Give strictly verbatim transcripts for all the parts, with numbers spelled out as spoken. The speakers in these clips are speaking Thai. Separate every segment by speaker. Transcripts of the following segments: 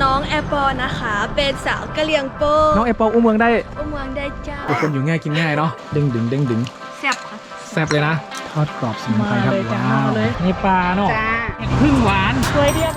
Speaker 1: น้องแอปเปิลนะคะเป็นสาวกะเหรี่ยงโป
Speaker 2: น้องแอปเปิลอุ้มเมืองได้
Speaker 1: อุ้มเมืองได้เจ้า
Speaker 2: คนอยู่ง่ายกินง่ายเนาะดึงดึงดึงดึง
Speaker 1: แซ่บค่ะ
Speaker 2: แซ่บเลยนะทอดกรอบสมุนไพรครับว้าวนี่ปลาเนาะพึ่งหวาน
Speaker 1: สวยเดียวไหม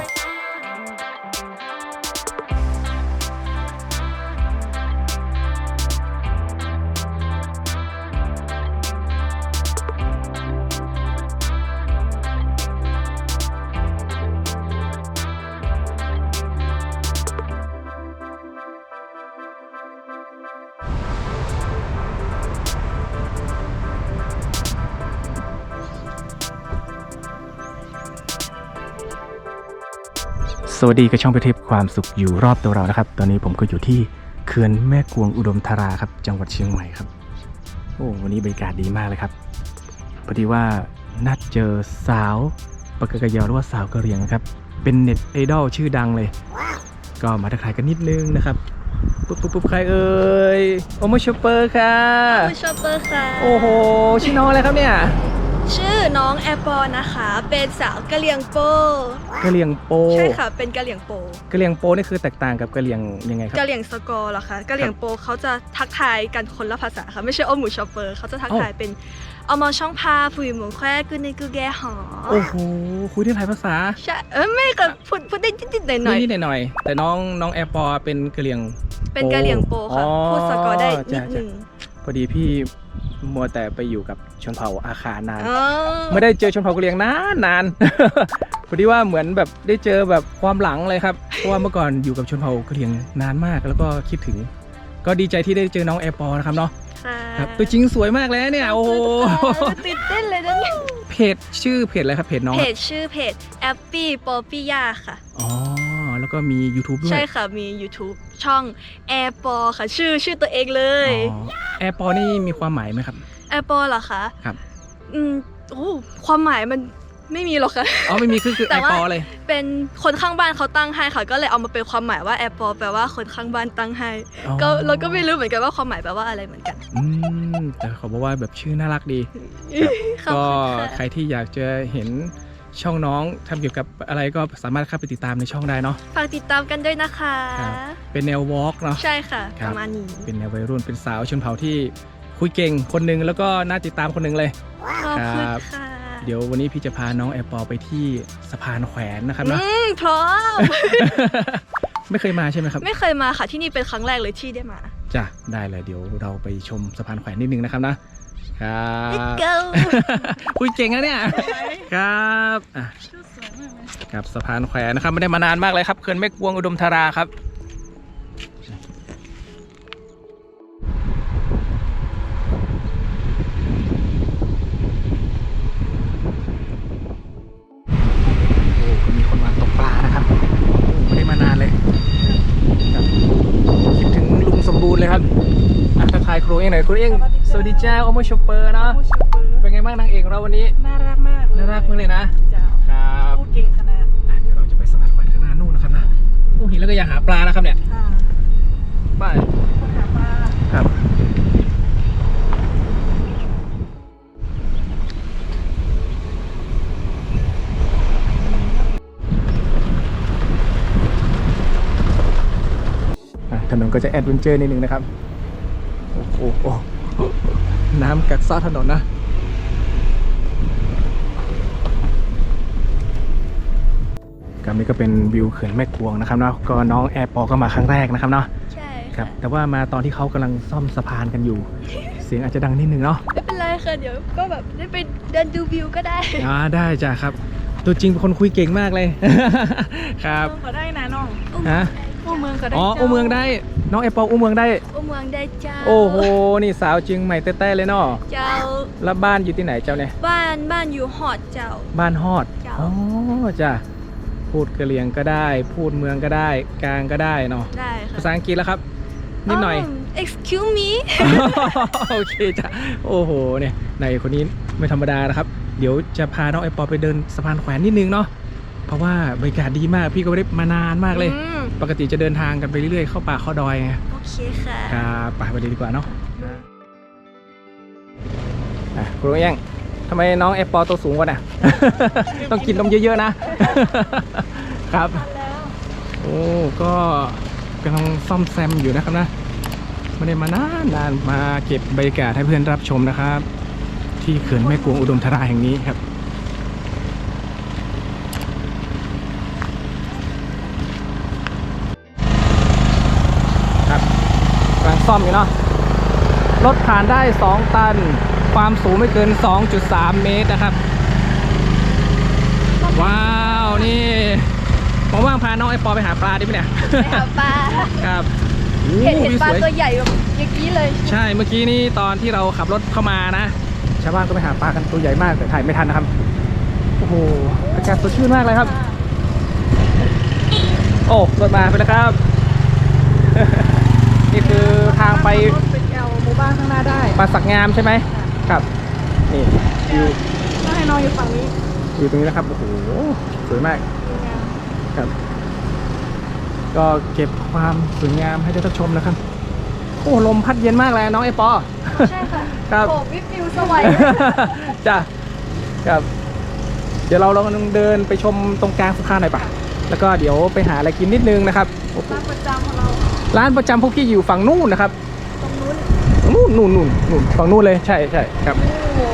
Speaker 2: สวัสดีกับช่องไปเทพความสุขอยู่รอบตัวเรานะครับตอนนี้ผมก็อยู่ที่เขื่อนแม่กวงอุดมธาราครับจังหวัดเชียงใหม่ครับโอ้วันนี้บรรยากาศดีมากเลยครับพอดีว่านัดเจอสาวปากกะยอหรือว่าสาวกะเหรี่ยงนะครับเป็นเน็ตไอดอลชื่อดังเลยก็มาทักทายกันนิดนึงนะครับปุ๊บปุ๊บปุ๊บใครเอ่ยโอโมชอปเปอร์ค่ะ
Speaker 1: โอโมชอปเปอร์ค่ะ
Speaker 2: โอ้โหชื่อน้องอะไรครับเนี่ย
Speaker 1: ชื่อน้องแอปเปิลนะคะเป็นสาวกะเหรี่ยงโป
Speaker 2: กะเหรี่ยงโป
Speaker 1: ใช่ค่ะเป็นกะเหรี่ยงโป
Speaker 2: กะเหรี่ยงโปนี่คือแตกต่างกับกะเหรี่ยงยังไงครับ
Speaker 1: กะเหรี่ยงสกอร์เหรอคะกะเหรี่ยงโปเขาจะทักทายกันคนละภาษาค่ะไม่ใช่โอหมูชอปเปอร์เขาจะทักทายเป็นเอามาช่องพาผู้หญิงหมูแควกูในกูแกหอ
Speaker 2: โอ้โหคุยได้หลายภาษา
Speaker 1: ใช่เออไม่ก็พูดพูดได้นิดๆหน่อยๆ
Speaker 2: นิดๆหน่อยๆแต่น้องน้องแอปเปิลเป็นกะเหรี่ยง
Speaker 1: เป็นกะเหรี่ยงโปค่ะพูดสกอร์ได้นิดนึง
Speaker 2: พอดีพี่มัวแต่ไปอยู่กับชนเผ่าอาคานานไม่ได้เจอชนเผ่ากะเหรี่ยงนานนาน พอดีว่าเหมือนแบบได้เจอแบบความหลังเลยครับเพราะว่าเมื่อก่อนอยู่กับชนเผ่ากะเหรี่ยงนานมากแล้วก็คิดถึงก็ดีใจที่ได้เจอน้องแอร์ปอนะครับเนาะครับตัวจริงสวยมากเลยเนี่ยโอ้โห
Speaker 1: ตื่นเต้นเลยนะเนี่ย
Speaker 2: เพจชื่อเพจอะไรครับเพจน้อง
Speaker 1: เพจชื่อเพจแอปปี้ปอปี้ย่าค่ะ
Speaker 2: อ๋อแล้วก็มี YouTube ด้วย
Speaker 1: ใช่ค่ะมี YouTube ช่องแอร์ปอค่ะชื่อชื่อตัวเองเลย
Speaker 2: แอร์ปอนี่มีความหมายไหมครับ
Speaker 1: แอร์ปอเหรอคะ
Speaker 2: ครับ
Speaker 1: อืมโอ้ความหมายมันไม่มีหรอกค่ะ
Speaker 2: อ๋อไม่มีคือคือแอร์ปอเลย
Speaker 1: เป็นคนข้างบ้านเขาตั้งให้ค่ะก็เลยเอามาเป็นความหมายว่าแอร์ปอแปลว่าคนข้างบ้านตั้งให้ก็เราก็ไม่รู้เหมือนกันว่าความหมายแปลว่าอะไรเหมือนกัน
Speaker 2: อืมแต่เขาบอกว่าแบบชื่อน่ารักดีก็ใครที่อยากจะเห็นช่องน้องทำเกี่ยวกับอะไรก็สามารถเข้าไปติดตามในช่องได้เนาะ
Speaker 1: ฝากติดตามกันด้วยนะคะ
Speaker 2: เป็นแนววอล์กเนาะ
Speaker 1: ใช่ค่ะประมาณนี้
Speaker 2: เป็นแนววัยรุ่นเป็นสาวชนเผ่าที่คุยเก่งคนหนึ่งแล้วก็น่าติดตามคนหนึ่งเลย
Speaker 1: ขอบคุณค่ะ
Speaker 2: เดี๋ยววันนี้พี่จะพาน้องแอร์ปอไปที่สะพานแขวนนะครับนะ
Speaker 1: พร้อม
Speaker 2: ไม่เคยมาใช่ไหมครับ
Speaker 1: ไม่เคยมาค่ะที่นี่เป็นครั้งแรกเลยที่ได้มา
Speaker 2: จ้ะได้เลยเดี๋ยวเราไปชมสะพานแขวนนิดนึงนะครับนะครับคุยเก่งนะเนี่ยครับอ่ะครับสะพานแขวนนะครับไม่ได้มานานมากเลยครับเขื่อนแม่กวงอุดมธาราครับมีคนมาตกปลานะครับไม่ได้มานานเลยคิดถึงลุงสมบูรณ์เลยครับทักทายครูเองหน่อยครูเองสวัสดีจ้าโอโมชอปเปอร์เนาะเป็นไงบ้างนางเอกเราวันนี้
Speaker 1: น่ารักมาก
Speaker 2: น่ารักมากเลยนะ
Speaker 1: ครับพูดเก่งขนาด
Speaker 2: เดี๋ยวเราจะไปสะพานแขวนข้างหน้านู่นนะครับนะโอ้เห็นแล้วก็อยากหาปลานะครับเนี่ยไป
Speaker 1: หาปลา
Speaker 2: ครับถนนก็จะแอดเวนเจอร์นิดนึงนะครับโอ้โหน้ำกัดเซาะถนนนะกับนี้ก็เป็นวิวเขื่อนแม่กวงนะครับเนาะก็น้องแอร์ปอก็มาครั้งแรกนะครับเนาะ
Speaker 1: ใช่
Speaker 2: ครับแต่ว่ามาตอนที่เขากำลังซ่อมสะพานกันอยู่เสียงอาจจะดังนิดนึงเนาะ
Speaker 1: ไม่เป็นไรค่ะเดี๋ยวก็แบบได้ไปเดินดูวิวก็ได้
Speaker 2: อ่าได้จ้ะครับตัวจริงเป็นคนคุยเก่งมากเลยครับ
Speaker 1: ก็ได้นะน้อง
Speaker 2: ฮะ
Speaker 1: อู้เมืองก็ได้
Speaker 2: อ๋ออู้เมืองได้น้องแอปเปิลอู้เมืองได้
Speaker 1: อู้เมืองได้เจ้า
Speaker 2: โอ้โหนี่สาวเชียงใหม่แต้ๆเลยเนาะ
Speaker 1: เจ้า
Speaker 2: แล้วบ้านอยู่ที่ไหนเจ้าเนี่ย
Speaker 1: บ้านบ้านอยู่ฮอดเจ้า
Speaker 2: บ้านฮอดอ๋อจ้ะพูดกะเหรี่ยงก็ได้พูดเมืองก็ได้กลางก็ได้เนาะ
Speaker 1: ได้ค่ะ
Speaker 2: ภาษาอังกฤษแล้วครับนิดหน่อย
Speaker 1: excuse me
Speaker 2: โอเคจ้ะโอ้โหเนี่ยในคนนี้ไม่ธรรมดานะครับเดี๋ยวจะพาน้องแอปเปิลไปเดินสะพานแขวนนิดนึงเนาะเพราะว่าบรรยากาศดีมากพี่ก็ไม่ได้มานานมากเลยปกติจะเดินทางกันไปเรื่อยๆเข้าป่าเข้าดอยไง
Speaker 1: โอเคค่ะ
Speaker 2: ครับไปไปดีกว่าเนาะครูยังทำไมน้องแอปเปิลตัวสูงกว่าน่ะ ต้องกินนมเยอะๆนะครับโโอ้ก็กำลังซ่อมแซมอยู่นะครับนะไม่ได้มานานนานมาเก็บบรรยากาศให้เพื่อนรับชมนะครับ ที่เขื่อนแม่กวงอุดมธาราแห่งนี้ครับครับกำลังซ่อมอยู่เนาะรถผ่านได้สองตันความสูงไม่เกิน สองจุดสาม เมตรนะครับว้าวนี่ผมว่างพาน้องไอปอไปหาปลาดิไหมเนี่ย
Speaker 1: ไปหาปลา
Speaker 2: ครับ
Speaker 1: เห็นเห็นปลา
Speaker 2: สย
Speaker 1: ตัวใหญ่แบบอย่างนี้เลย
Speaker 2: ใช่เมื่อกี้นี้ตอนที่เราขับรถเข้ามานะชาวบ้านก็ไปหาปลากันตัวใหญ่มากแต่ถ่ายไม่ทันนะครับโอ้โหอากาศสดชื่นมากเลยครับโอ้รถมาไปแล้วครับ นี่คือทางไป
Speaker 1: เป็นแอลหมู่บ้านข้างหน้าได้
Speaker 2: ปลาสักงามใช่ไหมครับนี่อยู่
Speaker 1: ก็ให้น้องอยู่ฝั่งนี้
Speaker 2: อยู่ตรงนี้นะครับโอ้โหสวยมากครับก็เก็บความสวยงามให้ได้รับชมนะครับโอ้ลมพัดเย็นมากเลยน้องไอปอ
Speaker 1: ใช่ค่ะ
Speaker 2: ครับ
Speaker 1: โอ้วิววิวสวย
Speaker 2: จ้ะครับเดี๋ยวเราลองเดินไปชมตรงกลางสะพานหน่อยปะแล้วก็เดี๋ยวไปหาอะไรกินนิดนึงนะครับ
Speaker 1: ร้านประจำของเรา
Speaker 2: ร้านประจำพวกพี่อยู่ฝั่งนู่นนะครับ
Speaker 1: ตรงนู้น
Speaker 2: นู่นนู่นนู่นนู่นฝั่งนู่นเลยใช่ใช่ครับ
Speaker 1: โอ้โห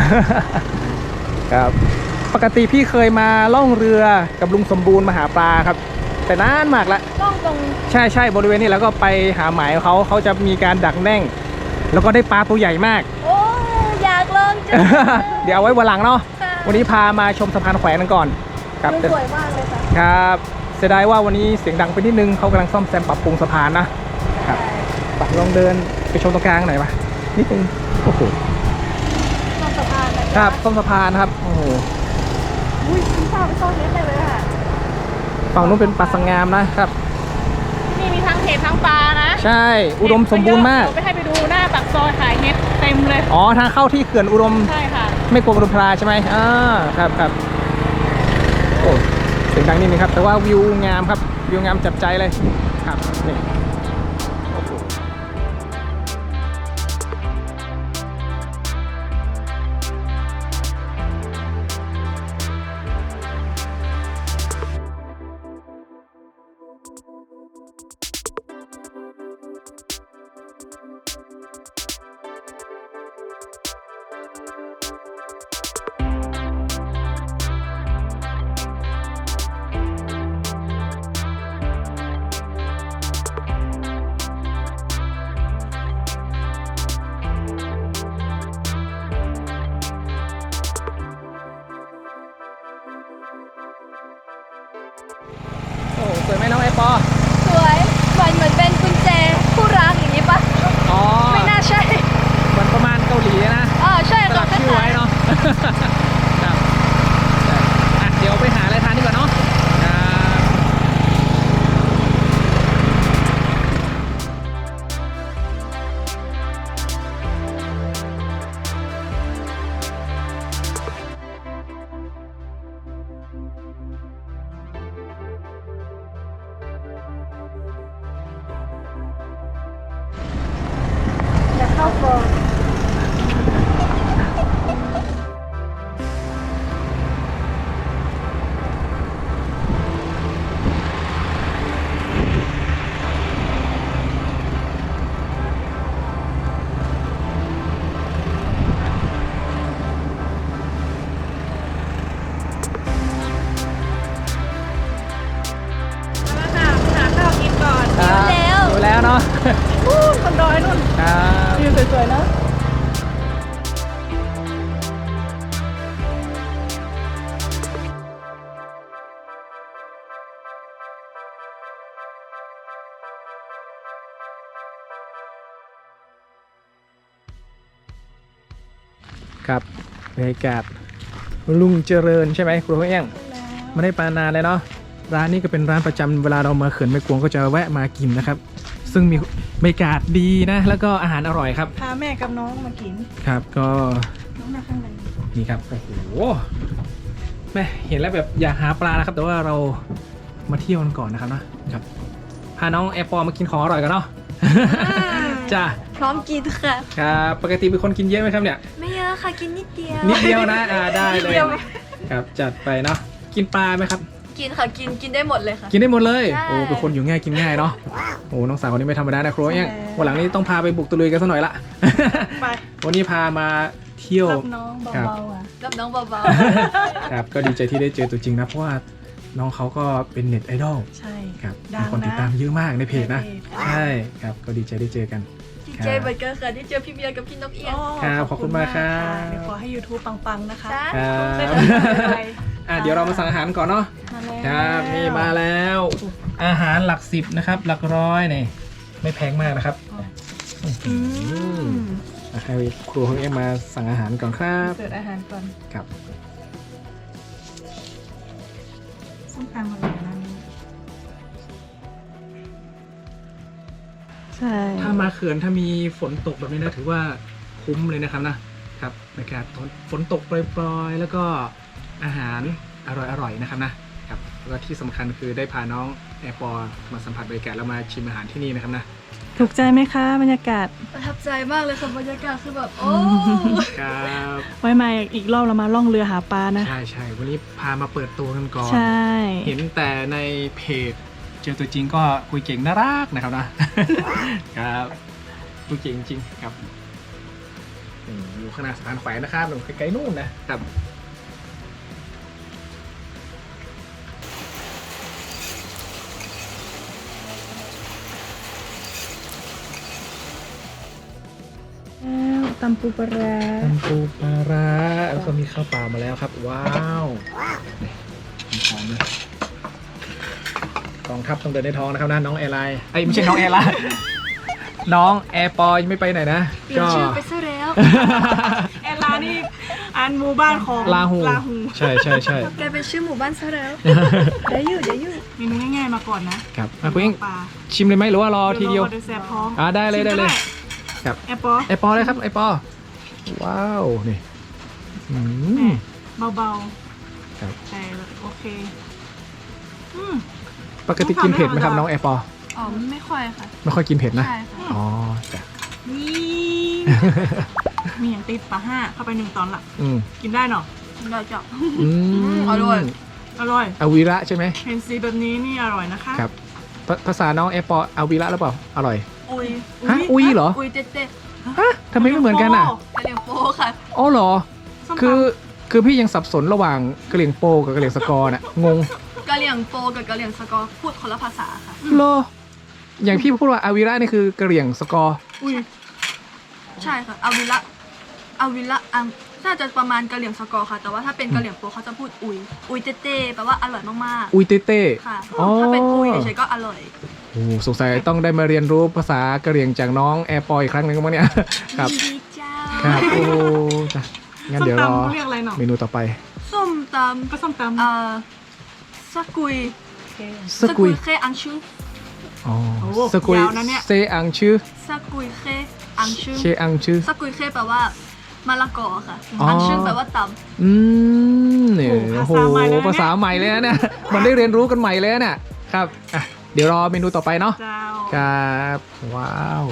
Speaker 2: ครับปกติพี่เคยมาล่องเรือกับลุงสมบูรณ์มาหาปลาครับแต่นานมากละ
Speaker 1: ต้องตรง
Speaker 2: ใช่ใช่บริเวณนี้แล้วก็ไปหาหมายเขาเขาจะมีการดักแน่ง แล้วก็ได้ปลาตัวใหญ่มาก
Speaker 1: โอ้อยากลองจัง
Speaker 2: เดี๋ยวเอาไว้วันหลังเนาะ
Speaker 1: ค่ะ
Speaker 2: วันนี้พามาชมสะพานแขวนกันก่อนครับ
Speaker 1: สวยมากเลยค่ะ
Speaker 2: ครับเสียดายว่าวันนี้เสียงดังไปนิดนึงเขากำลังซ่อมแซมปรับปรุงสะพานนะครับไปลองเดินไปชมตรงกลางหน่อยปะนิดนึงโอ้โห
Speaker 1: ต้องสะพานนะ
Speaker 2: ครับซ่อมสะพานครับโอ้โห
Speaker 1: อุ้ยคุณทราบไปซ่อนเล็กเลยค่ะ
Speaker 2: ฝั่งนู้นเป็นปลาสังงามนะครับ
Speaker 3: ที่นี่มีทั้งเห็ดทั้งปลานะ
Speaker 2: ใช่อุดมสมบูรณ์มาก
Speaker 3: เดี๋ยวไปให้ไปดูหน้าปากซอยขายเห็ดเต็มเลย
Speaker 2: อ๋อทางเข้าที่เขื่อนอุดม
Speaker 3: ใช่ค่ะ
Speaker 2: ไม่กลัวอุดมพลาใช่ไหมอ่าครับครับโอ้เสียงดังนิดนึงครับแต่ว่าวิวงามครับวิวงามจับใจเลยครับนี่โอ้โห โอ้สวยไหมน้องไอปอ
Speaker 1: สวยเหมือนเหมือนเป็นกุญแจคู่รักอย่างนี้ปะ
Speaker 2: อ๋อ
Speaker 1: ไม่น่าใช่
Speaker 2: เหมือนประมาณเกาหลีนะ
Speaker 1: อ๋อใช่
Speaker 2: สลั
Speaker 1: ค่ะ
Speaker 2: กชื่อไว้เนาะ ครับอ่ะเดี๋ยวไปหาอะไรทานดีกว่าเนาะครับ
Speaker 1: อยากเข้ากอง
Speaker 3: แล้วค่ะหาข้าวกินก่อน
Speaker 2: ครับ
Speaker 1: แล้ว
Speaker 2: อยู่แล้วเนาะ
Speaker 3: นู่นคนดอยนู่น
Speaker 2: ครับ
Speaker 3: วิวสวยๆเนอะ
Speaker 2: ครับบรรยากาศลุงเจริญใช่ไหมครูเอี้ยงไม่ได้ปานานเลยเนาะร้านนี้ก็เป็นร้านประจำเวลาเรามาเขื่อนแม่กวงก็จะแวะมากินนะครับ ซึ่งมีบรรยากาศดีนะแล้วก็อาหารอร่อยครับ
Speaker 3: พาแม่กับน้องมากิน
Speaker 2: ครับก็
Speaker 3: น้องมาข้างใน
Speaker 2: นี่ครับโอ้โหแม่เห็นแล้วแบบอยากหาปลานะครับ แต่ว่าเรามาเที่ยวกันก่อนนะครับนะครับพาน้องแอร์ปอมากินของอร่อยกันเนาะ จ้า
Speaker 1: พร้อมกินค่ะ
Speaker 2: ครับปกติเป็นคนกินเยอะไหมครับเนี่ย
Speaker 1: ไม่เยอะค่ะกินนิดเดียว
Speaker 2: นิดเดียวนะอ่าได้
Speaker 1: นิด
Speaker 2: เลย
Speaker 1: เดียว
Speaker 2: ครับจัดไปเนาะกินปลาไหมครับ
Speaker 1: กินค่ะกินกินได้หมดเลยค่ะ
Speaker 2: กินได้หมดเลย
Speaker 1: ใช่
Speaker 2: โอ้เป็นคนอยู่ง่ายกินง่ายเนาะโอ้น้องสาวคนนี้ไม่ธรรมดานะครัวเอี้ยงวันหลังนี้ต้องพาไปบุกตะลุยกันสักหน่อยละ
Speaker 3: ไป
Speaker 2: วันนี้พามาเที่ยว
Speaker 3: รับน้อง
Speaker 2: ครับ
Speaker 3: เบาๆอ่ะ
Speaker 1: กับน้องเบา
Speaker 2: ครับก็ดีใจที่ได้เจอตัวจริงนะเพราะว่าน้องเขาก็เป็นเน็ตไอดอล
Speaker 3: ใช่
Speaker 2: ครับ
Speaker 3: ดั
Speaker 2: มี
Speaker 3: ง
Speaker 2: คนติด
Speaker 3: นะ
Speaker 2: ตามเยอะมากในเพจนะ
Speaker 3: ในเพจ
Speaker 2: ใช่ครับก็ดีใจได้เจอกัน
Speaker 1: ๆดีใจเหมือนกันค่ะที่เจอพี่เบียร์กับพี่นกเอี้ยง
Speaker 3: โอ้
Speaker 2: ครับขอบคุณมากครับ
Speaker 3: เดี๋ยวขอให้ YouTube ปังๆนะคะ
Speaker 1: จ้า
Speaker 2: ครับ
Speaker 3: ไม่เป็นไร
Speaker 2: อ่ะเดี๋ยวเรามาสั่งอาหารก่อนเนาะ
Speaker 3: มาแล้ว
Speaker 2: ครับนี่มาแล้ว อาหารหลักสิบนะครับหลักร้อยนี่ไม่แพงมากนะครับ
Speaker 3: อืม
Speaker 2: อ่ะให้ครูของเอ็มมาสั่งอาหารก่อนครับ
Speaker 3: เสิร์ฟอาหารก่อน
Speaker 2: ครับ
Speaker 3: ส้มตำอร่อยนะนี่ใช่
Speaker 2: ถ้ามาเขื่อนถ้ามีฝนตกแบบนี้นะถือว่าคุ้มเลยนะครับนะครับบรรยากาศฝนตกปล่อยๆแล้วก็อาหารอร่อยๆนะครับนะครับแล้วก็ที่สำคัญคือได้พาน้องแอร์ปอร์มาสัมผัสบรรยากาศแล้วมาชิมอาหารที่นี่นะครับนะ
Speaker 3: ถูกใจไหมคะบรรยากาศ
Speaker 1: ประทับใจมากเลยค่ะบรรยากาศคือแบบโอ้
Speaker 2: ครับ
Speaker 3: ไว้มาอีกรอบเรามาล่องเรือหาปลานะ
Speaker 2: ใช่ใช่วันนี้พามาเปิดตัวกันก่อน
Speaker 3: ใช่
Speaker 2: เห็นแต่ในเพจเจอตัวจริงก็คุยเก่งน่ารักนะครับนะ ครับคุยเก่งจริงครับนี่อยู่ข้างหน้าสะพานแขวนนะครับตรงไกลๆนู่นนะครับ
Speaker 3: แล้วตำปูปลาร้า
Speaker 2: ตำปูปลาร้าแล้วก็มีข้าวเปล่ามาแล้วครับ ว้าวนี่หอมเลยกองทัพต้องเดินในท้องนะครับนะน้องแอร์ไลน์ไอ้ยไม่ใช่น้องแอร์ไลน์ น้องแอร์ปอยังไม่ไปไหนนะ
Speaker 1: เปลี่ยนชื่อไปซะแล้ว
Speaker 3: แอลลานี่อันหมู่บ้านของ
Speaker 2: ลาหู
Speaker 3: ลาหู
Speaker 2: ใช่ใช่ใช่
Speaker 1: กลายเป็นชื่อหมู่บ้านซะแล้วเดี๋ยวอยู่เดี๋ยวอยู่
Speaker 3: เมนูง่ายๆมาก่อนนะครับ
Speaker 2: อ่ะคุณเอง
Speaker 3: ปลา
Speaker 2: ชิมเลยไหมหรือว่ารอทีเดียว
Speaker 3: ดี๋แซ่บท้อง
Speaker 2: อ่าได้เลยได้เลย ครับ
Speaker 3: แอปเปิล
Speaker 2: ไอปอเลยครับไอปอว้าวนี่อืม
Speaker 3: เบา
Speaker 2: ครับ
Speaker 3: ๆแต่โอเคอืม
Speaker 2: ปกติกินเผ็ดไหมครับน้องไอปอ
Speaker 1: อ๋อไม่ค่อยค่ะ
Speaker 2: ไม่ค่อยกินเผ็ดนะ
Speaker 1: ใช่ค่ะ
Speaker 2: อ๋อจ้ะ
Speaker 3: นี่มีอย่างติดปลาห้าเข้าไปหนึ่งตอนละ
Speaker 2: อืม
Speaker 3: กินได้เนาะ
Speaker 1: เราจะ
Speaker 2: อืม
Speaker 1: อร่อย
Speaker 3: อร่อย
Speaker 2: อาวิระใช่ไหม
Speaker 3: เห็นสีแบบนี้นี่อร่อยนะคะ
Speaker 2: ครับภาภาษาน้องไอปออาวิระหรือเปล่าอร่อย
Speaker 1: อุย
Speaker 2: ฮะอุยเหรอ
Speaker 1: อุยเจ๊เจ๊
Speaker 2: ฮะทำไมไม่เหมือนกันอ่ะ
Speaker 1: กะเหรี่ยงโปค่ะ
Speaker 2: อ๋อเหรอ
Speaker 3: ส้มตำ
Speaker 2: คือคือพี่ยังสับสนระหว่างกะเหรี่ยงโปกับกะเหรี่ยงสกอร์น่ะงง
Speaker 1: กะเหรี่ยงโปกับกะเหรี่ยงสกอร์พูดคนละภาษาค่ะ
Speaker 2: เหรออย่างพี่พูดว่าอาวิระนี่คือกะเหรี่ยงสกอร์
Speaker 3: อุ้ย
Speaker 1: ใช่ค่ะอาวิละอาวิละอังน่าจะประมาณกะเหรี่ยงสกอร์ค่ะ แต่ว่าถ้าเป็นกะเหรี่ยงโปเขาจะพูดอุย อุยเจ๊เจ๊แปลว่าอร่อยมาก
Speaker 2: อุยเต้เต้
Speaker 1: ๆ ค่ะ
Speaker 2: อ๋อ
Speaker 1: ถ้าเป็นอุยเฉยๆก็อร่อย
Speaker 2: โอ้สงสัยต้องได้มาเรียนรู้ภาษากะเหรี่ยงจากน้องแอร์ปอยอีกครั้งหนึ่งมั้งเนี่ย ครับ
Speaker 1: ดีเจ้า
Speaker 2: ครับโอ้จ้ะงั้น
Speaker 3: ส้ม
Speaker 2: เดี๋ยวรอ
Speaker 3: ตำเขาเรียกอะไรเนาะ
Speaker 2: เมนูต่อไป
Speaker 1: ส้มต
Speaker 3: ก็ส้มตำ
Speaker 1: ำเอ่อสกุย
Speaker 2: สกุย
Speaker 1: เคอังชู
Speaker 2: อ๋อ
Speaker 3: โอ้
Speaker 2: สกุย
Speaker 3: ยาวนะเนี่ย
Speaker 2: เซอังชื่อ
Speaker 1: สกุยเคอังชู
Speaker 2: เชอังชื่อ
Speaker 1: สกุยเคแปลว่ามะละกอค่ะ
Speaker 2: อ๋ออั
Speaker 1: อังชูแปลว่าต
Speaker 2: อืมเนี่ย
Speaker 3: โอ้
Speaker 2: โอ้
Speaker 3: โห
Speaker 2: โห
Speaker 3: ภาษาใหม่เลยนะเนี่ย
Speaker 2: ภาษาใหม่เลยนะเนี่ย มันได้เรียนรู้กันใหม่เลยนะเนี่ยครับอ่ะเดี๋ยวรอเมนูต่อไปเนาะ
Speaker 3: เจ้า
Speaker 2: ครับว้าว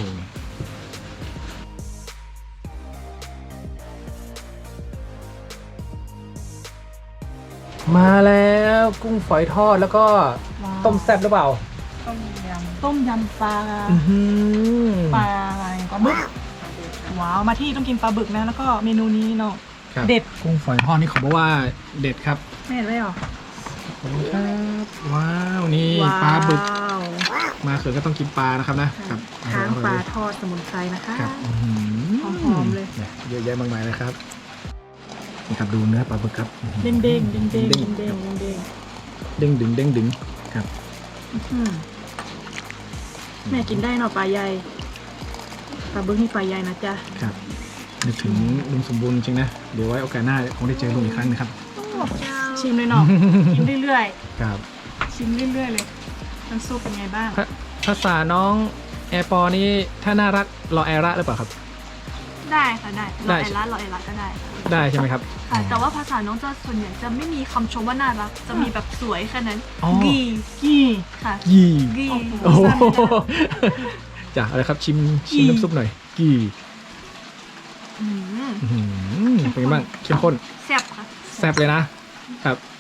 Speaker 2: มาแล้วกุ้งฝอยทอดแล้วก็ต้มแซ่บหรือเปล่า
Speaker 3: ต้มยำต้มยำปลา
Speaker 2: อื้อหือ
Speaker 3: ปลาอะไรปลาบึกว้าวมาที่ต้องกินปลาบึกนะแล้วก็เมนูนี้เนาะ
Speaker 2: ครับ
Speaker 3: เด็ด
Speaker 2: กุ้งฝอยทอดนี่เขาบอกว่าเด็ดครับ
Speaker 3: ไม่เห็นเลยเหรอ
Speaker 2: ขอบคุณครับว้าวนี่ปลาบึกมาเขือก็ต้องกินปลานะครับนะครับ
Speaker 3: ค้างปลาทอดสมุนไพรนะคะ
Speaker 2: ครับอื้อหื
Speaker 3: หอมๆเลย
Speaker 2: นี่เยอะแยะมากมายเลยครับนี่ครับดูเนื้อปลาบึกครับ
Speaker 3: เด้งเด้งเด้งเด้งเด้งเด้งเด้ง
Speaker 2: เด้งดึงเด้งดึงครับ
Speaker 3: อืมแม่กินได้เนาะปลาใหญ่ปลาบึกนี่ปลาใหญ่นะจ๊ะ
Speaker 2: ครับนึกถึงลุงสมบูรณ์จริงๆนะเดี๋ยวไว้โอกาสหน้าคงได้เจอลุงอีกครั้งนะครับ
Speaker 1: ำเจ้า
Speaker 3: ชิมเลยเนาะ กินเรื่อย
Speaker 2: ครับ
Speaker 3: ๆชิมเรื่อยๆเลยน้ำซุปเป็นไงบ้าง
Speaker 2: ภาภาษาน้องแอร์ปอนี่ถ้าน่ารักรอแอระหรือเปล่าครับ
Speaker 1: ได้ค่ะได้
Speaker 2: ได้
Speaker 1: รอเอล่ารอเอล่าก็ได้ค่ะ
Speaker 2: ได้ใช่ไหมครับ
Speaker 1: ค่ะ แต่ว่าภาษาน้องจะส่วนใหญ่จะไม่มีคำชมว่าน่ารัก จะมีแบบสวยแค่นั้น
Speaker 2: อ๋อ
Speaker 1: กี
Speaker 3: กี้
Speaker 1: ค่ะ
Speaker 2: ยี่
Speaker 1: กี
Speaker 2: โอ้โหจ้ะอะไรครับชิมชิมน้ำซุปหน่อยกี่
Speaker 1: อืม
Speaker 2: อื้อหือเป็นไงบ้างเข้มข้น
Speaker 1: แซ่บค่ะ
Speaker 2: แซ่บเลยนะครับ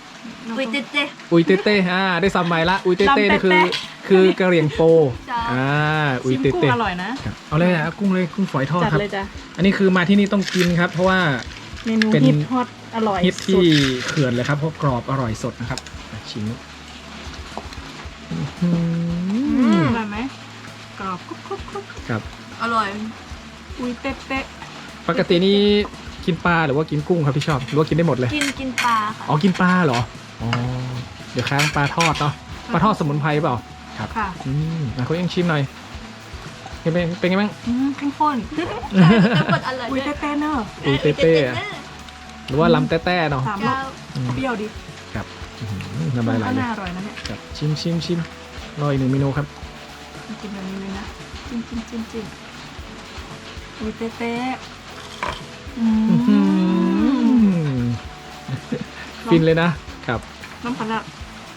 Speaker 1: อุยเตเต
Speaker 2: อุยเต้เต้อ่าได้ซ้ำใหม่ละอุยเต้เต้นี่คือคือกะเหรี่ยงโปอ่าอุย
Speaker 3: ชิม
Speaker 2: เต้
Speaker 3: กุ้ง
Speaker 2: เต้
Speaker 3: อร่อยนะ
Speaker 2: ครับเอาเลยนะกุ้งเลยกุ้งฝอยทอด
Speaker 3: จัด
Speaker 2: ครับ
Speaker 3: เลยจ้ะ
Speaker 2: อันนี้คือมาที่นี่ต้องกินครับ เพราะว่า
Speaker 3: เมนู
Speaker 2: เป็น
Speaker 3: ฮิตฮอตอร่อย
Speaker 2: ฮิต
Speaker 3: สุ
Speaker 2: ที่
Speaker 3: ด
Speaker 2: เขื่อนเลยครับเพราะกรอบอร่อยสดนะครับอ่ะชิมอื้อหือ
Speaker 3: อร่อยไหมกรอบคุกคุกคุก
Speaker 2: ครับ
Speaker 1: อร่อย
Speaker 3: อุ้ยเต๊ะเต๊ะ
Speaker 2: ปกตินี่กินปลาหรือว่ากินกุ้งครับพี่ชอบหรือว่ากินได้หมดเลย
Speaker 1: กินกินปลาค่ะ
Speaker 2: อ๋อกินปลาเหรออ๋อเดี๋ยวค้างปลาทอดเนาะปลาทอดสมุนไพรเปล่าครับ
Speaker 3: ค่ะ
Speaker 2: อืมมาคุณเองชิมหน่อยเป็นไงเป็นไงบ้าง
Speaker 3: อืมเข้มข้น
Speaker 1: น้ำกดอร่อย
Speaker 3: อุ้ย
Speaker 1: ด้ว
Speaker 3: เต๊ะเต๊ะเนอะ
Speaker 2: อุยเต้เต้อะหรือว่าลำแต้แต้เนาะ
Speaker 3: สามรส
Speaker 2: อืม
Speaker 3: เปรี้ยวดิ
Speaker 2: ครับอื้อหือน้ำลายไหล
Speaker 3: ก็
Speaker 2: เลย
Speaker 3: น่าอร่อยนะเนี่ย
Speaker 2: ครับชิมชิมชิมรออีกหนึ่งเมนูครับ
Speaker 3: กินแบบนี้เลยนะจิ้มจิ้มจิ้มจิ้มอุ้ยเต๊ะเต๊ะอื
Speaker 2: อื้อหื
Speaker 3: ม
Speaker 2: อฟินเลยนะครับ
Speaker 3: น้ำปลาร้า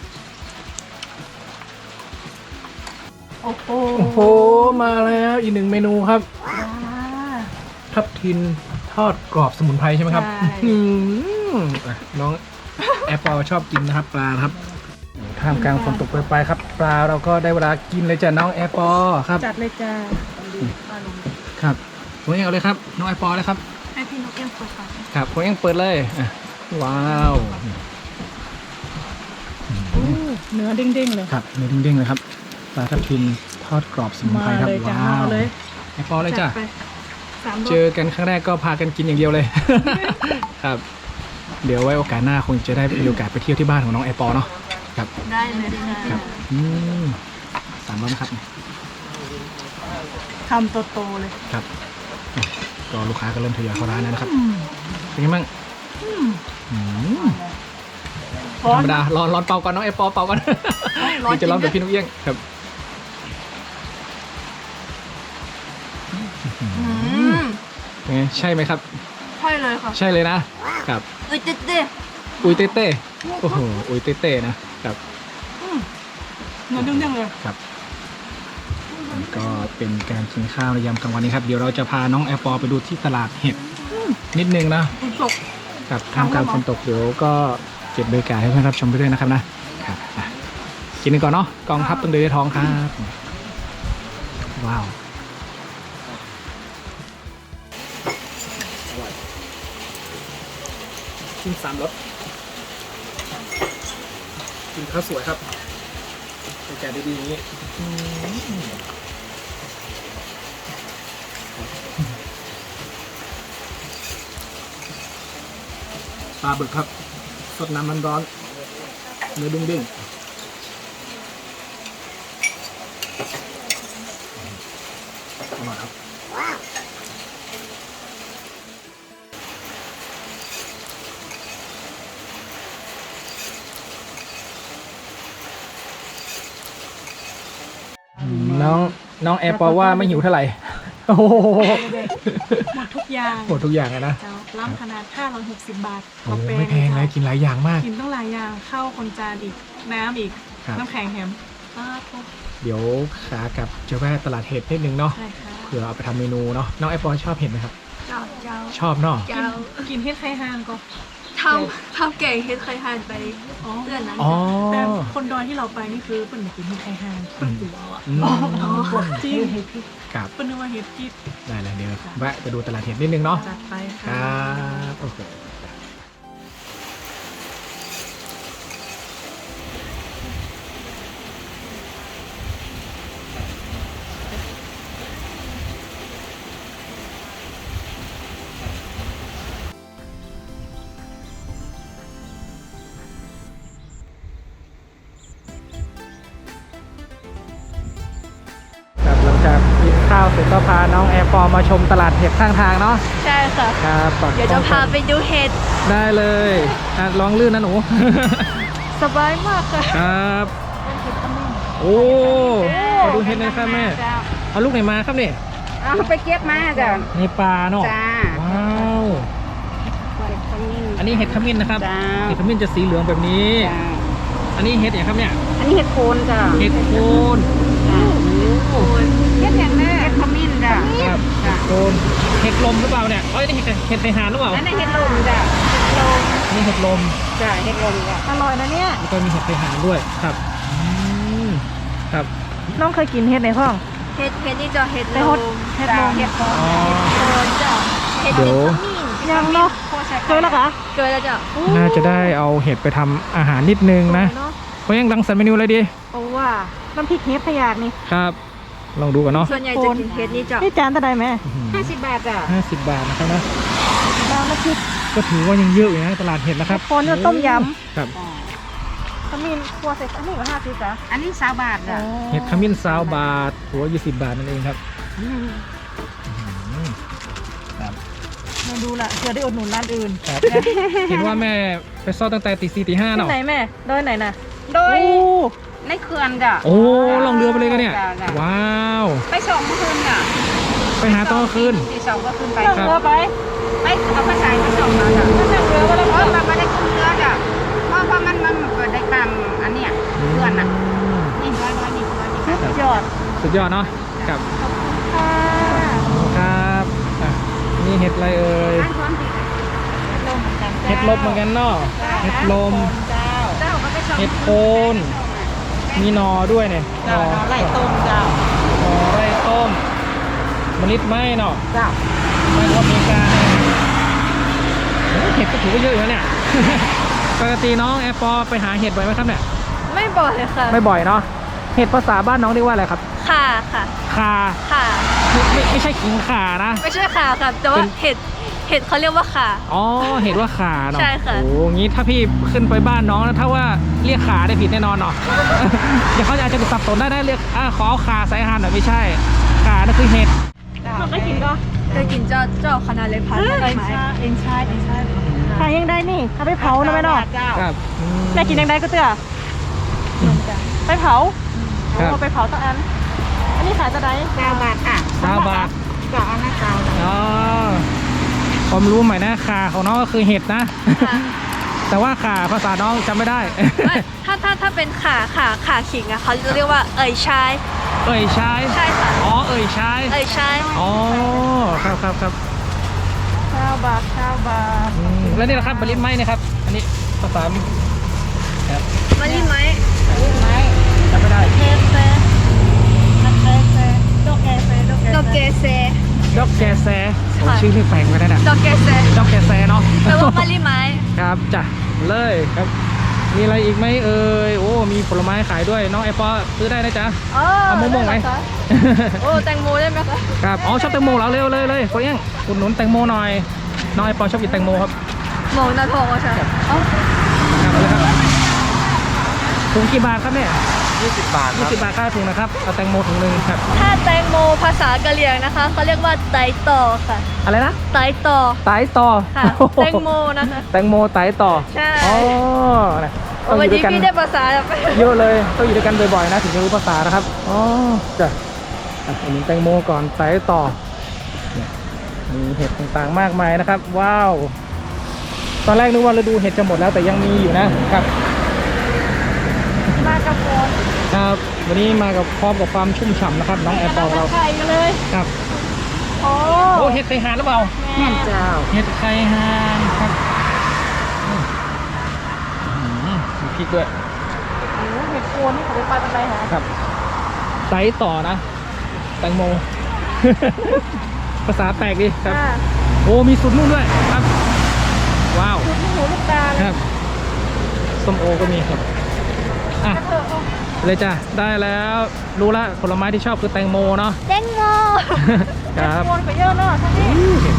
Speaker 3: โอ้โห
Speaker 2: โอ้โหมาแล้วอีกหนึ่งเมนูครับ
Speaker 3: อ่า
Speaker 2: ทับทินทอดกรอบสมุนไพรใช่ไหมครับ
Speaker 3: ใช่
Speaker 2: อืมอ่ะน้องแอปเปิลชอบกินนะครับปลานะครับท่ามกลางฝนตกโปรยปลายครับปลาเราก็ได้เวลากินเลยจ้ะน้องแอปเปิลครับ
Speaker 3: จัดเลยจ้า
Speaker 2: ครับผมเองเอาเลยครับน้องแอปเปิลเลยครับ
Speaker 3: ให้พี่นกเอี้ยงเปิดก่อน
Speaker 2: ครับผมเองเปิดเลยอ่ะว้าว
Speaker 3: เนื้อเด้งๆเลย
Speaker 2: ครับเนื้อเด้งๆเลยครับปลาทับทินทอดกรอบสมุน
Speaker 3: มา
Speaker 2: ไพรครับ
Speaker 3: เลยจ้า
Speaker 2: ว้าว
Speaker 3: มาเลย
Speaker 2: แอปเปิลเลยจ้ะ
Speaker 3: ดไปสามรส
Speaker 2: เจอกันครั้งแรกก็พากันกินอย่างเดียวเลย ครับ เดี๋ยวไว้โอกาสหน้าคงจะได้มีโอกาสไปเที่ยวที่บ้านของน้องแอปเปิลเนาะครับ
Speaker 1: ได้เลยค่ะ
Speaker 2: ครับอืมสามร้อยนะครับ
Speaker 3: คำโตๆเลย
Speaker 2: ครับก็ลูกค้าก็เริ่มทยอยเข้าร้านแล้วนะครับ
Speaker 3: อืม
Speaker 2: เป็นไงบ้าง
Speaker 3: อืม
Speaker 2: อืม
Speaker 3: ร้อ
Speaker 2: ธร
Speaker 3: น
Speaker 2: รมดาร้อนร้อนเป่าก่อนน้องแอปเปิลเป่าก่อน
Speaker 1: ร้อน
Speaker 2: นี่จะร้อนแบบพี่นุ๊กเอี้ยงครับ
Speaker 1: อืม
Speaker 2: เป็นไงใช่ไหมครับ
Speaker 1: ใช่เลยค่ะ
Speaker 2: ใช่เลยนะครับ
Speaker 1: อุยเตเต
Speaker 2: อุยเต้เต้โอ้โหอุยเต้เต้นะครับ
Speaker 3: อืมเนื้อเด้งๆเลย
Speaker 2: ครับก็เป็นการกินข้าวในยามกลางวันนี้ครับเดี๋ยวเราจะพาน้องแอปเปิลไปดูที่ตลาดเห็ดนิดนึงนะ
Speaker 3: คุณตก
Speaker 2: ครับท่ามกลางฝนตกเดี๋ยวก็เก็บบรรยากาศให้เพื่อนรับชมไปด้วยนะครับนะครับอ่ะกินกันก่อนเนาะกองทัพต้องเดินด้วยท้องครับว้าวกินสามรสกินข้าวสวยครับบรรยากาศดีๆอย่างนี้อืมปลาบึกครับสดน้ำมันร้อนเนื้อดุ้งดิ้งอร่อยครับน้องน้องแอร์ปอว่าไม่หิวเท่าไหร่โอ้โห
Speaker 3: หมดทุกอย่าง
Speaker 2: หมดทุกอย่างเลยนะ
Speaker 3: เจ้าล้ำขนาดห้าร้อยหกสิบบาท
Speaker 2: โอ้โหไม่แพงเลยกินหลายอย่างมาก
Speaker 3: กินต้องหลายอย่างข้าวคนจานอีก น้ำอีก
Speaker 2: ครับ
Speaker 3: น้ำแข็งแฮมอ้าวโถ่
Speaker 2: เดี๋ยวขากลับจะแวะตลาดเห็ดนิดนึงเนาะ
Speaker 3: ใช่ค่ะ
Speaker 2: เผื่อเอาไปทำเมนูเนาะน้องแอปเปิลชอบเห็ดไหมครับ
Speaker 1: เจ้าเจ้า
Speaker 2: ชอบเนาะ
Speaker 1: เจ้า
Speaker 3: กินเฮ็ดไข่ห่างก็
Speaker 1: ทำทำเก่งเฮ็ดเคยทานไป
Speaker 3: อ๋อ
Speaker 1: เดือนนั้น
Speaker 2: อ๋อ
Speaker 3: แต่คนดอยที่เราไปนี่คือเปิ้นไม่กินเฮ็ดไข่ห่างเปิ้นกลัวอ่ะ
Speaker 2: อืม
Speaker 3: จริง
Speaker 2: ครับ
Speaker 3: เปิ้นนึกว่าเฮ็ดกิด
Speaker 2: ได้เลยเดี๋ยวแวะไปดูตลาดเห็ดนิดนึงเนาะ
Speaker 3: จัดไป
Speaker 2: ค
Speaker 3: ค่ะ
Speaker 2: รับโอเคครับหลังจากกินข้าวเสร็จก็พาน้องแอร์ปอมาชมตลาดเห็ดข้างทางเนาะ
Speaker 1: ใช่ค่ะ
Speaker 2: ครับปัก
Speaker 1: เดี๋ยวจะพาไปดูเห็ด
Speaker 2: ได้เลยอ่ะลองลื่นนะหนู
Speaker 1: สบายมากค่ะ
Speaker 2: ครับโอ้ขอดูเห็ดหน่อยครับแม่เอาลูกไหนมาครับเนี่ย
Speaker 4: เอาไปเก็บมาจ้ะ
Speaker 2: ในปลาเนาะ
Speaker 4: จ้า
Speaker 2: ว้าว
Speaker 4: เห็ดขมิ้น
Speaker 2: อันนี้เห็ดขมิ้นนะครับ
Speaker 4: จ้า
Speaker 2: เห็ดขมิ้นจะสีเหลืองแบบนี้
Speaker 4: จ้า
Speaker 2: อันนี้เห็ดอย่างครับเนี่ย
Speaker 4: อันนี้เห็ดโคนจ้ะ
Speaker 2: เห็ดโคน
Speaker 4: จ้า
Speaker 2: โอ้
Speaker 4: เห็ดอย่างแม่เห็ดขมิ้นจ้ะ
Speaker 2: ครับ
Speaker 4: จ้ะ
Speaker 2: โคนเห็ดลมหรือเปล่าเนี่ยเอ้ยนี่เห็ดเห็ดไข่หานหรือเปล่า
Speaker 4: อันนี้เห็ดลมจ้ะ
Speaker 1: ลม
Speaker 2: นี่เห็ดลม
Speaker 4: จ้ะเห็ดลมจ้ะ
Speaker 3: อร่อยนะเนี่ย
Speaker 2: แล้วก็มีเห็ดไทหารด้วยครับอืมครับ
Speaker 3: น้องเคยกินเห็ดในห้อง
Speaker 1: เห็ดเห็ดนี่จะเห็ด
Speaker 3: ไป
Speaker 1: ล
Speaker 3: ฮด
Speaker 1: ม
Speaker 3: เห็ดล
Speaker 4: จ้ะ
Speaker 3: ม
Speaker 4: เห็ดลม
Speaker 2: อ๋อ
Speaker 1: โดนจ้ะเห็ด
Speaker 2: เดี๋ยว
Speaker 3: ยังเนาะ
Speaker 4: โคช
Speaker 3: เคยแล้วคะ
Speaker 1: เกิดแล้วจ้ะ
Speaker 2: น่าจะได้เอาเห็ดไปทำอาหารนิดนึงนะ
Speaker 3: เนาะ
Speaker 2: เพราะยังรังสรรค์เมนูอะไรดี
Speaker 3: โอ้ว่าน้ำพริกเห็ดพะยากนี่
Speaker 2: ครับ ลองดูกันเนาะ
Speaker 1: ส่วนใหญ่จะกินเห็ดนี่จ้ะ
Speaker 3: นี่จานเท่าใดแม่
Speaker 4: ห้าสิบบาทจ้ะ
Speaker 2: ห้าสิบบาทนะครับนะ
Speaker 3: น้ำน้ำพริก
Speaker 2: ก็ถือว่ายังเยอะอยู่นะตลาดเห็ดนะครับ
Speaker 3: คนจะต้มย
Speaker 2: ครับ
Speaker 3: ขมิ้นครัวใส่อันนี้ก็ห้าสิบจ้ะ
Speaker 4: อันนี้สามบาทจ้ะ
Speaker 2: เห็ดขมิ้นซาวบาทหัวยี่สิบบาทนั่นเองครับอืมครับ
Speaker 3: มาดูละเผื่อได้อุดหนุนร้านอื่น
Speaker 2: ครับ เห็นว่าแม่ไปซ่อตั้งแต่ตีสี่ตีห้า
Speaker 3: ที่
Speaker 2: เนาะ
Speaker 3: ไหนแม่ดอยไหนน่ะ
Speaker 4: โดย
Speaker 3: โอ้
Speaker 4: ในเขื่อนจ้ะ
Speaker 2: โอ้ลองเรือไปเลยกันเนี่ย
Speaker 4: จ้ะจ้ะ
Speaker 2: ว้าว
Speaker 4: ไปส่งเมื่อคืนจ้ะ
Speaker 2: ไปหาตอนกลางคืน
Speaker 4: ตีสองก็ขึ้นไป
Speaker 3: นั่งเรือไป
Speaker 4: ไปเอาภาษาไปส่งมาจ้ะ
Speaker 3: นั่งเรือก็แล้ว
Speaker 4: เพ
Speaker 3: ก็
Speaker 4: ราะมันไม่ได้ขึ้นเรือจ้ะเพราะว่ามันมันมันได้ตามอันเนี้ยเพื่อนน่ะนี่ร้อยร้อยนี่ร้อยนี่
Speaker 3: สุดยอด
Speaker 2: สุดยอดเนาะครับ
Speaker 3: ค่ะ
Speaker 2: ครับอ่ะนี่เห็ดอะไรเอ่ย
Speaker 4: ร้านพร้อมดีลมเหมือนกัน
Speaker 2: เห็ดลมเหมือนกันเนาะเห็ดลม
Speaker 4: เจ้าเจ้าก็ไปส่ง
Speaker 2: เห็ดโคนมีหนอด้วยเนี่ย
Speaker 3: เจ้าไล่ต้มเจ้า
Speaker 2: หนอไร่ต้มมะลิไหมเนาะ
Speaker 3: เจ้า
Speaker 2: ไม่ว่าอเมริกาเนี่ยโอ้เห็ดก็ถือว่าเยอะอยู่นะเนี่ย ปกติน้องแอร์ปอไปหาเห็ดบ่อยไหมครับเนี่ย
Speaker 1: ไม่บ่อยค่ะ
Speaker 2: ไม่บ่อยเนาะเห็ดภาษาบ้านน้องเรียกว่าอะไรครับ
Speaker 1: ค่ะค่ะ
Speaker 2: คา
Speaker 1: ค่ะ
Speaker 2: ไม่ไม่ไม่ใช่ขิงข่านะ
Speaker 1: ไม่ใช่ค่ะค่ะแต่ว่า
Speaker 2: เป็น
Speaker 1: เห็ดเห็ดเขาเรียกว่าค่ะ
Speaker 2: อ๋อเห็ดว่าขาเนาะ
Speaker 1: ใช่ค่ะ
Speaker 2: โอ้งี้ถ้าพี่ขึ้นไปบ้านน้องนะถ้าว่าเรียกขาได้ผิดแน่นอนเนาะ เดี๋ยวเขาอาจจะสับสนได้ได้เรียกอ่าขอเอาขาใส่อาหารหน่อยไม่ใช่ขานั่นคือเห็ด
Speaker 3: มันก็กินก็
Speaker 1: เคยกินเจ้าเจ้าคณะเลยพัน
Speaker 3: เอ็
Speaker 1: ได้
Speaker 3: น
Speaker 1: ไหม
Speaker 3: ชาเอ็นชาเอ็นชาขายยังได้นี่เอาไปเผานะแม่เนาะ
Speaker 4: เจ้า
Speaker 2: ครับอืม
Speaker 3: แม่กินยังได้ก็เตื้อไปเผา
Speaker 2: ครับ
Speaker 3: โอ้ไปเผาตั้งอัน อันนี้ขายจะได้
Speaker 4: เก้าบาทค่ะ
Speaker 2: สามบาท
Speaker 4: เจ้าเอาหน้าเจ้า
Speaker 2: อ๋อความรู้ใหม่นะขาของน้องก็คือเห็ดนะ
Speaker 1: ค่ะ
Speaker 2: แต่ว่าขาภาษาน้องจำไม่ได้
Speaker 1: ไม่ถ้าถ้าถ้าเป็นขาขาขาขิงอะเขาจะเรียกว่าเอ่ยชาย
Speaker 2: เอ่ยชาย
Speaker 1: ใช่ค่ะ
Speaker 2: อ๋อเอ่ยชาย
Speaker 1: เอ่ยชาย
Speaker 2: อ๋อครับครับครับ
Speaker 3: ข้าวบาทข้าวบาท
Speaker 2: อืมแล้วนี่แหละครับบริษไม้นะครับ อันนี้ภาษาครับ
Speaker 1: มาลิไหม
Speaker 2: จำไม่ได้
Speaker 3: เกเซนักเกเซดอกเกเซดอกเก
Speaker 1: ดอกเกเซ
Speaker 2: ดอกแกแซโอ้
Speaker 1: ค่ะ
Speaker 2: ชื่อเรียกแปลกไปแล้วเนี่ย
Speaker 1: ดอกเกเซ
Speaker 2: ดอกแกแซเนาะ
Speaker 1: แปลว่ามาลิไหม
Speaker 2: ครับจ้ะเลยครับ มีอะไรอีกไหมเอ่ยโอ้มีผลไม้ขายด้วยน้องไอปอซื้อได้นะจ๊ะ
Speaker 1: อ๋อ
Speaker 2: เอามะม่วงไหม
Speaker 1: ด้คะโอ้แตงโมได้ไหมคะ
Speaker 2: ครับอ๋อชอบแตงโมแล้วเร็วเลยเลยคนเอี้ยงอุดหนุนแตงโมหน่อยน้องไอปอชอบกินแตงโมครับ
Speaker 1: โมนาทองอ่ะใช่อ๋อ
Speaker 2: ครับเอาเลยครับถุงกี่บาทครับเนี่ย
Speaker 5: ยี่สิบบาทค
Speaker 2: ยี่
Speaker 5: รับ
Speaker 2: สิบบาทค่าถุงนะครับเอาแตงโมถุงหนึ่งครับ
Speaker 1: ถ้าแตงโมภาษากะเหรี่ยงนะคะเขาเรียกว่าไตต่อค่ะ
Speaker 2: อะไรนะ
Speaker 1: ไตต่อ
Speaker 2: ไตต่อ
Speaker 1: ค่ะ แตงโมนะคะ
Speaker 2: แตงโมไตต่อ ใช่ อ๋อนะต้องอ
Speaker 1: วัน
Speaker 2: ยู่ด้
Speaker 1: นี้
Speaker 2: วยกัน
Speaker 1: พี่ได้ภาษาแบบ
Speaker 2: เยอะเลยต้องอยู่ด้วยกันบ่อยๆนะถึงจะรู้ภาษานะครับ อ๋อจ้ะอ่ะอันนี้แตงโมก่อนไตต่อเนี่ยมีเห็ดต่างๆมากมายนะครับ ว้าว ตอนแรกนึกว่าฤดูเห็ดจะหมดแล้วแต่ยังมีอยู่นะครับ
Speaker 3: มากับโฟน
Speaker 2: ครับ วันนี้มากับพร้อมกับความชุ่มฉ่ำนะครับ น้องแอร์ปอร์เรา
Speaker 3: ไข่กันเลย
Speaker 2: ครับ
Speaker 3: โอ้
Speaker 2: โอ้เห็ดไข่ห่านหรือเปล่า
Speaker 3: แม่
Speaker 4: เจ้า
Speaker 2: เห็ดไข่ห่านครับอืมอืมมีพริกด้วย
Speaker 3: โหเห็ดโคนนี่เขาไปปลาตะไคร้หา
Speaker 2: ครับไตต่อนะ แตงโม ภาษาแปลกดีครับ
Speaker 3: ค่ะ
Speaker 2: โอ้ มีสุดนุ่นด้วยครับ ว้าว
Speaker 3: จุดลูกหูลูกตาเลย
Speaker 2: ครับ ส้มโอก็มีครับ อ่ะ
Speaker 3: กระเถอะเอา
Speaker 2: เลยจ้ะ ได้แล้ว รู้ละผลไม้ที่ชอบคือแตงโมเนาะ
Speaker 1: แตงโม
Speaker 2: ครับ
Speaker 3: โคนก็เยอะเนาะท่านนี่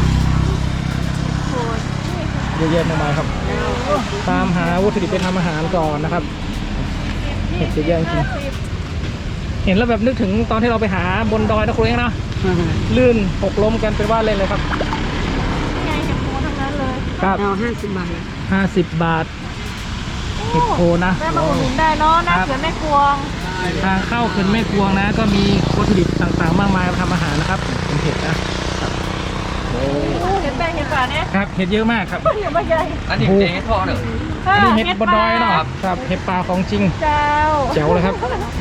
Speaker 2: เยอะแยะมากมายครับ ตามหาวัตถุดิบไปทำอาหารก่อนนะครับ เห็ดเยอะแยะจริง เห็นแล้วแบบนึกถึงตอนที่เราไปหาบนดอยนะครูเองนะลื่นหกล้มกันเป็นว่าเล่นเลยครับ
Speaker 3: ไงเห็ดโคนทั้งนั้นเลย
Speaker 2: ครับ
Speaker 4: เอาห้าสิบบาท
Speaker 2: ห้าสิบบาท เห็ดโคนนะ
Speaker 3: แม่มาอุดหนุนได้เนาะหน้าเขื่อนแม่กวง
Speaker 2: ทางเข้าเขื่อนแม่กวงนะ ก็มีวัตถุดิบต่างๆ มากมายมาทำอาหารนะครับเป็นเห็ดนะโอ้
Speaker 3: เห็ดแป้งเห็ดป่าเนี่ย
Speaker 2: ครับเห็ดเยอะมากครับ
Speaker 3: เห็ดใบใหญ่
Speaker 5: อันนี้เองให้พ่อหนึ่ง
Speaker 2: อันนี้เห็ดบนดอยเนาะครับเห็ดป่าของจริง
Speaker 3: เจ้า
Speaker 2: แจ๋วเลยครับ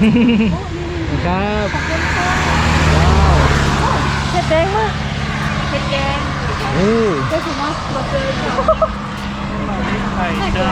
Speaker 2: ครับว้าว
Speaker 3: เห็ดแดงมากเห็ดแดง
Speaker 2: โอ้
Speaker 3: ได้ถูกมั้ย
Speaker 2: ไข่เจ้า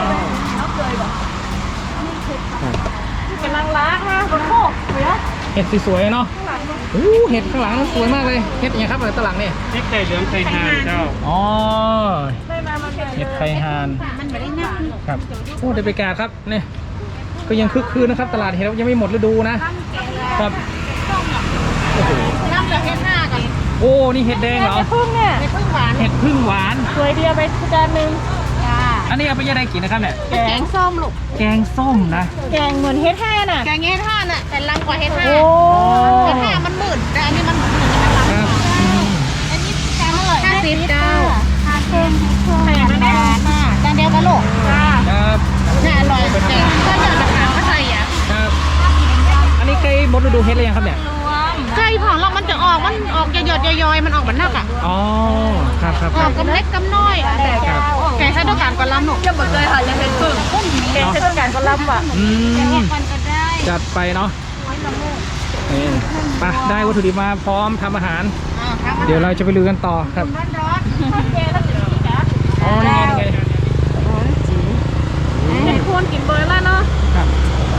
Speaker 3: กำลังล้างนะบนโคกเดี๋ยว
Speaker 2: เห็ดสวยๆเนาะอู้เห็ดข้างหลังสวยมากเลยเห็ดอย่างครับอะไรตะหลังนี่
Speaker 5: นี่ไข่เหลืองไข่ห่านเจ้า
Speaker 2: อ๋อ
Speaker 3: ได้มามันเป็น
Speaker 2: เห็ดไข่ห่าน
Speaker 4: มันไม่ได้นับ
Speaker 2: ครับโอ้ได้ไปกาครับเนี่ยก็ยังคึกคืนนะครับ ตลาดเห็ดยังไม่หมดฤดูนะครับโอ้โห
Speaker 4: นับจากเฮ็ดห้ากัน
Speaker 2: โอ้นี่เห็ดแดงเหรอ
Speaker 3: พึ่งเนี่ย
Speaker 4: เฮ็ดพึ่งหวาน
Speaker 2: เห็ดพึ่งหวาน
Speaker 3: สวยเดียวไปจานหนึ่ง
Speaker 4: จ้า
Speaker 2: อันนี้เอาไปยังไงกินนะครับเนี่ย
Speaker 4: แกงส้มลูก
Speaker 2: แกงส้มนะ
Speaker 3: แกงเหมือนเฮ็ดแห่น่ะ
Speaker 4: แกงเฮ็ดห้าน่ะแต่ลังกว่าเฮ็ดห้า
Speaker 3: โอ้
Speaker 4: เฮ็ดห้ามันหมื่นแต่อันนี้มันหมื่นจะลัง
Speaker 2: ครับอืม
Speaker 4: อันนี้แกงอร่อยห้าสิบเจ้า
Speaker 3: ห้าเค็มแข่งนะแม่
Speaker 4: จานเดียวกันลูก
Speaker 3: จ้า
Speaker 2: ครับ
Speaker 4: น่าอร่อยแกงก็จะราคาก็ใส่อ่ะ
Speaker 2: ครับอันนี้ใกล้หมดฤดูเห็ดเลยยังครับเนี่ย
Speaker 4: ไก่ของเรามันจะออกมันออกหยดๆย่อยๆมันออกเหมือนนักอ่ะ
Speaker 2: อ๋อครับครับ
Speaker 4: อ
Speaker 2: ค
Speaker 4: อ
Speaker 2: รั
Speaker 4: ก
Speaker 2: บ
Speaker 4: กำเล็กกำน้อย
Speaker 2: ครับ
Speaker 4: แกงใช้ด้วยกันกับลำหนู
Speaker 1: ยังหมดเลยค่ะยังเป็นพึ่ง
Speaker 3: แกงเทศกาลก็รับอ่ะ
Speaker 2: อืม
Speaker 4: มันก็ได้
Speaker 2: จัดไปเนาะนี่ไปได้วัตถุดิบมาพร้อมทำอาหาร เดี๋ยวเราจะไปลุยกันต่อครับ
Speaker 4: ร้อน
Speaker 2: อ๋อนี่ไงนี่ไง
Speaker 3: เห็ดควรกินเบอร์แล้วเนาะ
Speaker 2: ครับ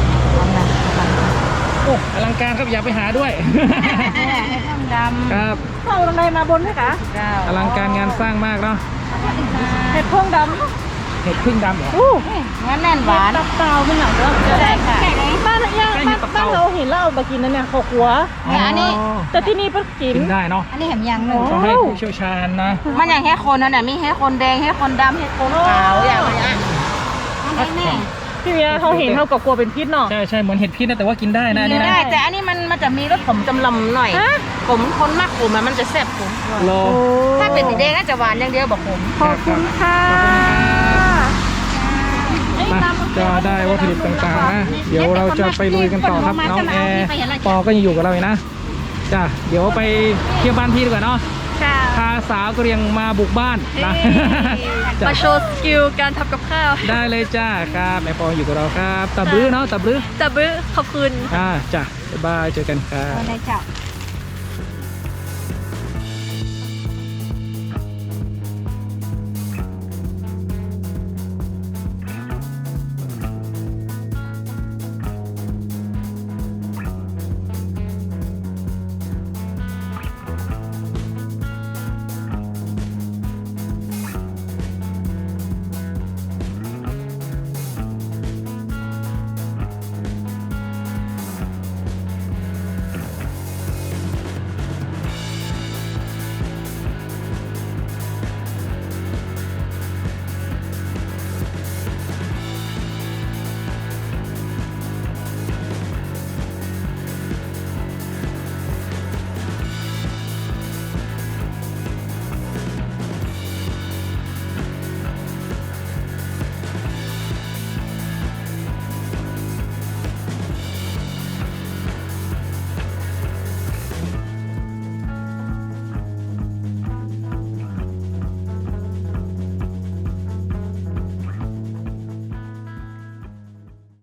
Speaker 2: โอ้อลังการครับอยากไปหาด้วย
Speaker 4: ๆดำ
Speaker 2: ครับ
Speaker 3: เข้าตรงไหนมาบนไหมคะ
Speaker 4: เจ้า
Speaker 2: อลังการงานสร้างมากเนาะ
Speaker 3: เห็ดพวงด
Speaker 2: เห็ดพึ่งดำเหรอ
Speaker 3: ำอู้
Speaker 4: งั้นแน่นหวาน
Speaker 3: ตับเตาไม่หนักแล้ว
Speaker 4: ได้ค่ะ
Speaker 3: บ้านย่างบ้านบ้านเราเห็นแล้วเอามากินนั่นเนี่ยขอกหัว
Speaker 4: เนี่ยอันนี้
Speaker 3: แต่ที่นี่เพิ่งกิน
Speaker 2: กินได้เนาะ
Speaker 4: อันนี้เห็นอย่างหนึ่ง
Speaker 2: ต้องให้ผู้เชี่ยวชาญนะ
Speaker 4: มันอย่างแค่คนนั่นแหละมีแค่คนแดงแค่คนดำแค่คนขาวอย่างเงี้ยอันนี้
Speaker 3: พี่เมียเขาเห็นเขาก็กลัวเป็นพิษเนาะ
Speaker 2: ใช่ใช่เหมือนเห็ดพิษนะแต่ว่ากินได้นะอัน
Speaker 4: กิ
Speaker 2: นี่
Speaker 4: น
Speaker 2: นะ
Speaker 4: ได้แต่อันนี้มันมันจะมีรสขมจำลำหน่อย
Speaker 3: ฮะ
Speaker 4: ขมคนมากขมมันจะแซ่บขม
Speaker 2: โล
Speaker 4: ถ้าเป็นสีแดงน่าจะหวานอย่างเดียวบอกขม
Speaker 3: ขอบคุณค่ะ
Speaker 2: มาจะได้วัตถุดิบต่างๆนะเดี๋ยวเราจะไปลุยกันต่อครับน้องแอร์ปอก็ยังอยู่กับเราอยู่นะจ้ะเดี๋ยวไปเที่ยวบ้านพี่ดีกว่าเนาะ
Speaker 1: ค่ะ
Speaker 2: พาสาวกะเหรียงมาบุกบ้านนะ จ้ะ
Speaker 1: มาโชว์สกิลการทำกับข้าว
Speaker 2: ได้เลยจ้าครับแม่ปออยู่กับเราครับตับรื้อเนาะตับรื้อ
Speaker 1: แต่บื้อขอบคุณ
Speaker 2: อ่าจ้ะบ๊ายบายเจอกันครับ
Speaker 4: ได้เจ้า